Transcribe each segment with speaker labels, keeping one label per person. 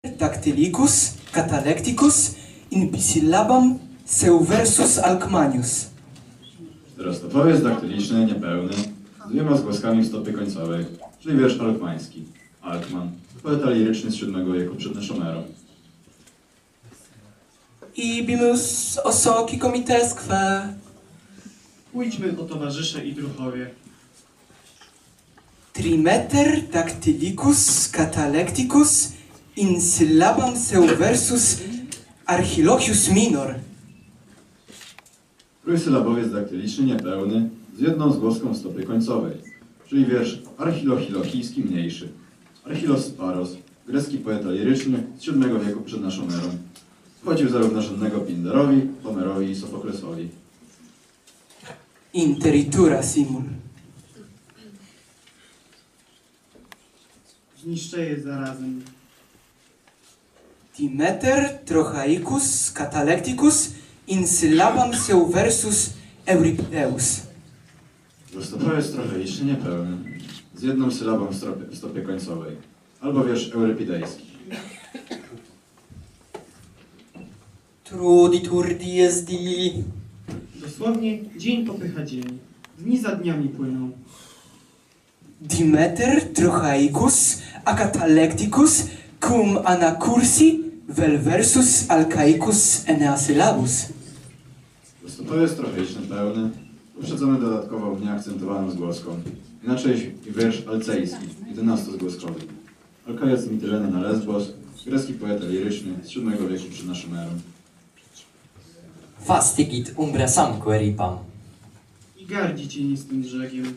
Speaker 1: Dactylicus, catalecticus, in bisillabam seuversus alcmanius.
Speaker 2: Czterostopowiec daktyliczny, niepełny, z dwiema zgłoskami w stopie końcowej, czyli wiersz alkmański. Alkman, poeta liryczny z VII wieku przed naszą erą.
Speaker 1: Ibimus osoki comitesque.
Speaker 3: Pójdźmy o towarzysze i druhowie.
Speaker 1: Trimeter dactylicus catalecticus in syllabam seuversus archilochius minor.
Speaker 2: Trójsylabowiec daktyliczny, niepełny, z jedną zgłoską w stopie końcowej, czyli wiersz archilochilochijski mniejszy. Archilos Paros, grecki poeta liryczny z VII wieku przed naszą erą. Wchodził zarówno żadnego Pindarowi, Homerowi i Sofoklesowi.
Speaker 1: Interitura simul.
Speaker 3: Zniszczę je zarazem.
Speaker 1: Dimeter trochaicus catalecticus in syllabam seuversus Euripideus.
Speaker 2: Prostopowiec trochaiczny, niepełny, z jedną sylabą w stopie końcowej, albo wiersz eurypidejski.
Speaker 1: Truditur dies di.
Speaker 3: Dosłownie dzień popycha dzień. Dni za dniami płyną.
Speaker 1: Dimeter trochaicus a catalecticus cum anacursi vel versus alcaicus eneasylabus.
Speaker 2: Prostopowiec trochaiczny, pełny, uprzedzony dodatkową nieakcentowaną zgłoską. Inaczej wiersz alcejski, 11-zgłoskowy. Alkajac Mityleny na Lesbos, grecki poeta liryczny z VII wieku przed naszą erą.
Speaker 4: Fastigit umbra samco eripam.
Speaker 3: I gardzi cienistym brzegiem.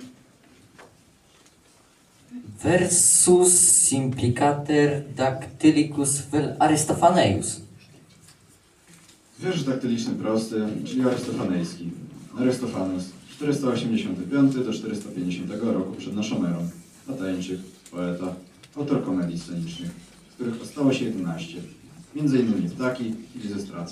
Speaker 4: Versus implicater dactylicus vel Aristophaneus.
Speaker 2: Wiersz daktyliczny prosty, czyli arystofanejski. Arystofanes, 485 do 450 roku przed naszą erą. Latańczyk, poeta, autor komedii scenicznych, z których ostało się 11. Między innymi Ptaki i Lizystraca.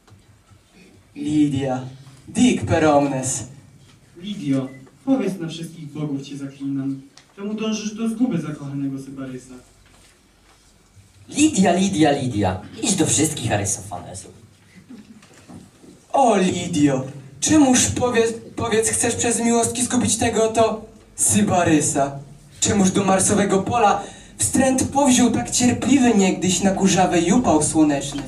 Speaker 1: Lidia, dic per omnes.
Speaker 3: Lidio, powiedz na wszystkich bogów cię zaklinam. Czemu dążysz do zguby zakochanego Sybarysa?
Speaker 4: Lidia, idź do wszystkich Arystophanesów.
Speaker 1: O Lidio, czemuż powiedz chcesz przez miłostki zgubić tego to Sybarysa? Czemuż do marsowego pola wstręt powziął tak cierpliwy niegdyś na kurzawej upał słoneczny?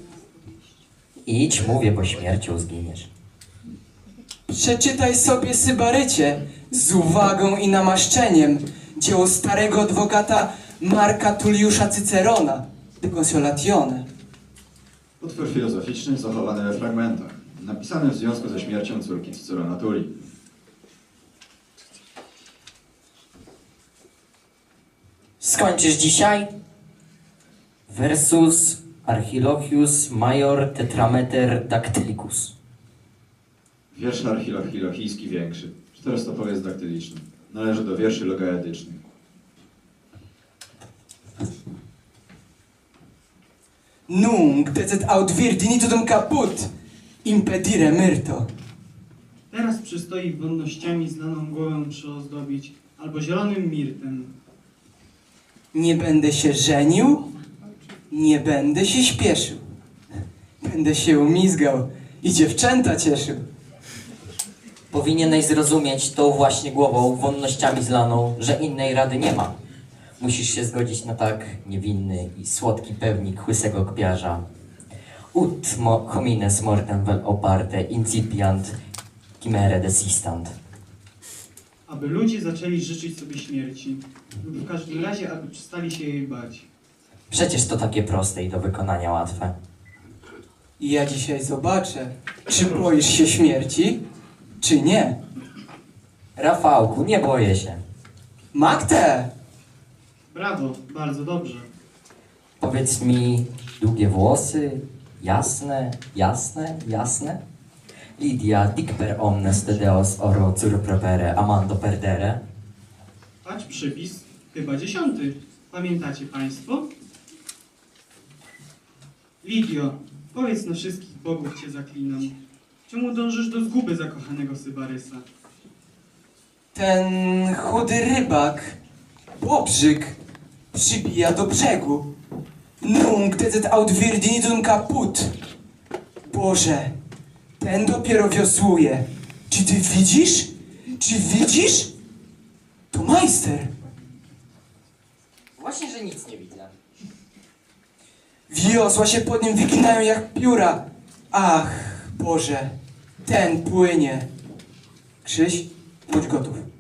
Speaker 4: Idź, mówię, bo śmiercią zginiesz.
Speaker 1: Przeczytaj sobie Sybarycie z uwagą i namaszczeniem dzieło starego adwokata Marka Tulliusza Cycerona, De Consolatione.
Speaker 2: Utwór filozoficzny zachowany we fragmentach, napisany w związku ze śmiercią córki Cycerona Tulli.
Speaker 4: Skończysz dzisiaj? Versus Archilochius major tetrameter dactylicus.
Speaker 2: Wiersz archilochijski większy, czterostopowiec daktyliczny. Należy do wierszy logaedycznych.
Speaker 1: Nunc decet aut virginitudum caput impedire myrto.
Speaker 3: Teraz przystoi wonnościami znaną głowę przyozdobić, albo zielonym mirtem.
Speaker 1: Nie będę się żenił, nie będę się śpieszył. Będę się umizgał i dziewczęta cieszył.
Speaker 4: Powinieneś zrozumieć tą właśnie głową, wonnościami zlaną, że innej rady nie ma. Musisz się zgodzić na tak niewinny i słodki pewnik łysego kpiarza. Ut homines mortem vel oparte incipiant chimere desistant.
Speaker 3: Aby ludzie zaczęli życzyć sobie śmierci, lub w każdym razie, aby przestali się jej bać.
Speaker 4: Przecież to takie proste i do wykonania łatwe.
Speaker 1: I ja dzisiaj zobaczę, czy boisz się śmierci, czy nie.
Speaker 4: Rafałku, nie boję się.
Speaker 1: Magte!
Speaker 3: Brawo, bardzo dobrze.
Speaker 4: Powiedz mi, długie włosy, jasne? Lidia, dic per omnes tedeos oro cur propere amando perdere.
Speaker 3: Patrz przypis, chyba 10. Pamiętacie państwo? Lidio, powiedz na wszystkich bogów cię zaklinam. Czemu dążysz do zguby zakochanego Sybarysa?
Speaker 1: Ten chudy rybak, bobrzyk, przybija do brzegu. Nunc deset aut virdinidum caput. Boże, ten dopiero wiosłuje. Czy ty widzisz? Czy widzisz? To majster.
Speaker 4: Właśnie, że nic nie widzę.
Speaker 1: Wiosła się pod nim wyginają jak pióra. Ach, Boże, ten płynie. Krzyś, bądź gotów.